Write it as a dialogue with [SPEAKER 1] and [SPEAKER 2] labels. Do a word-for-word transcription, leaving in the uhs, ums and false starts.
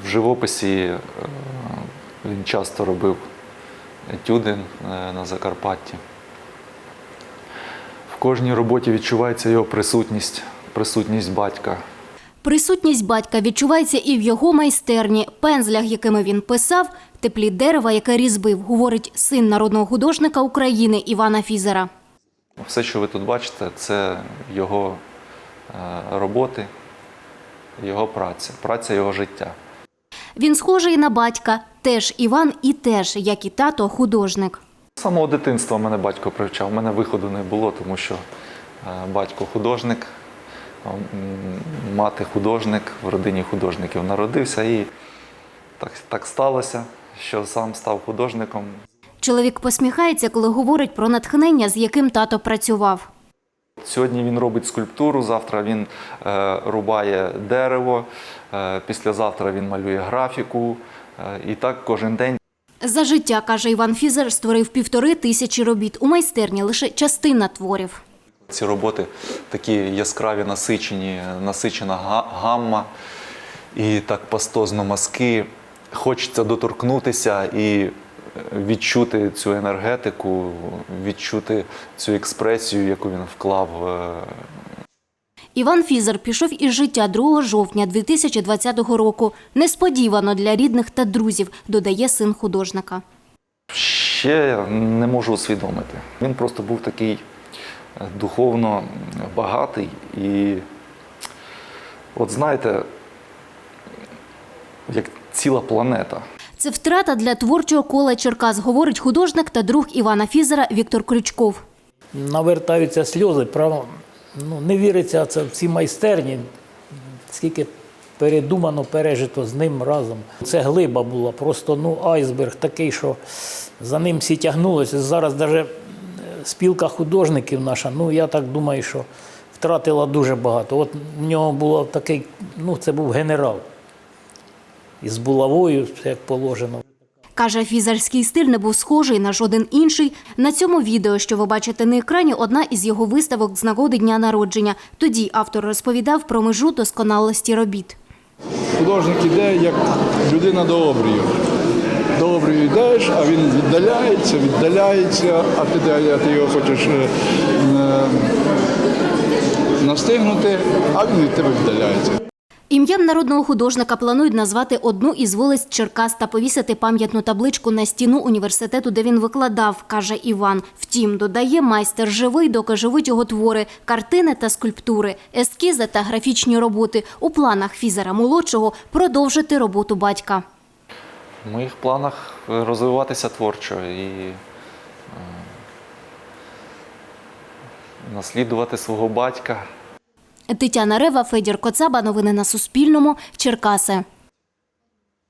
[SPEAKER 1] В живописі він часто робив етюди на Закарпатті. В кожній роботі відчувається його присутність, присутність батька.
[SPEAKER 2] Присутність батька відчувається і в його майстерні. Пензлях, якими він писав, теплі дерева, яке різьбив, говорить син народного художника України Івана Фізера.
[SPEAKER 1] Все, що ви тут бачите, це його роботи, його праця, праця його життя.
[SPEAKER 2] Він схожий на батька. Теж Іван і теж, як і тато, художник.
[SPEAKER 1] З самого дитинства мене батько привчав. У мене виходу не було, тому що батько художник, мати художник, в родині художників народився. І так, так сталося, що сам став художником.
[SPEAKER 2] Чоловік посміхається, коли говорить про натхнення, з яким тато працював.
[SPEAKER 1] Сьогодні він робить скульптуру, завтра він е, рубає дерево, е, післязавтра він малює графіку. Е, і так кожен день.
[SPEAKER 2] За життя, каже Іван Фізер, створив півтори тисячі робіт. У майстерні лише частина творів.
[SPEAKER 1] Ці роботи такі яскраві, насичені, насичена гамма і так пастозно мазки. Хочеться доторкнутися і відчути цю енергетику, відчути цю експресію, яку він вклав.
[SPEAKER 2] Іван Фізер пішов із життя другого жовтня дві тисячі двадцятого року. Несподівано для рідних та друзів, додає син художника.
[SPEAKER 1] Ще не можу усвідомити. Він просто був такий духовно багатий і, от знаєте, як ціла планета.
[SPEAKER 2] Це втрата для творчого кола Черкас, говорить художник та друг Івана Фізера Віктор Крючков.
[SPEAKER 3] Навертаються сльози, право, ну, не віриться це в ці майстерні, скільки передумано, пережито з ним разом. Це глиба була, просто ну, айсберг такий, що за ним всі тягнулися. Зараз навіть спілка художників наша, ну я так думаю, що втратила дуже багато. От в нього було такий, ну це був генерал. Із булавою, як положено.
[SPEAKER 2] Каже, фізерський стиль не був схожий на жоден інший. На цьому відео, що ви бачите на екрані, одна із його виставок з нагоди дня народження. Тоді автор розповідав про межу досконалості робіт.
[SPEAKER 4] Художник іде, як людина до обрію. До обрію йдеш, а він віддаляється, віддаляється, а ти, а ти його хочеш е, е, настигнути, а він від тебе віддаляється.
[SPEAKER 2] Ім'ям народного художника планують назвати одну із вулиць Черкас та повісити пам'ятну табличку на стіну університету, де він викладав, каже Іван. Втім, додає, майстер живий, доки живуть його твори, картини та скульптури, ескізи та графічні роботи. У планах Фізера-молодшого продовжити роботу батька.
[SPEAKER 1] В моїх планах розвиватися творчо і е, наслідувати свого батька.
[SPEAKER 2] Тетяна Рева, Федір Коцаба. Новини на Суспільному. Черкаси.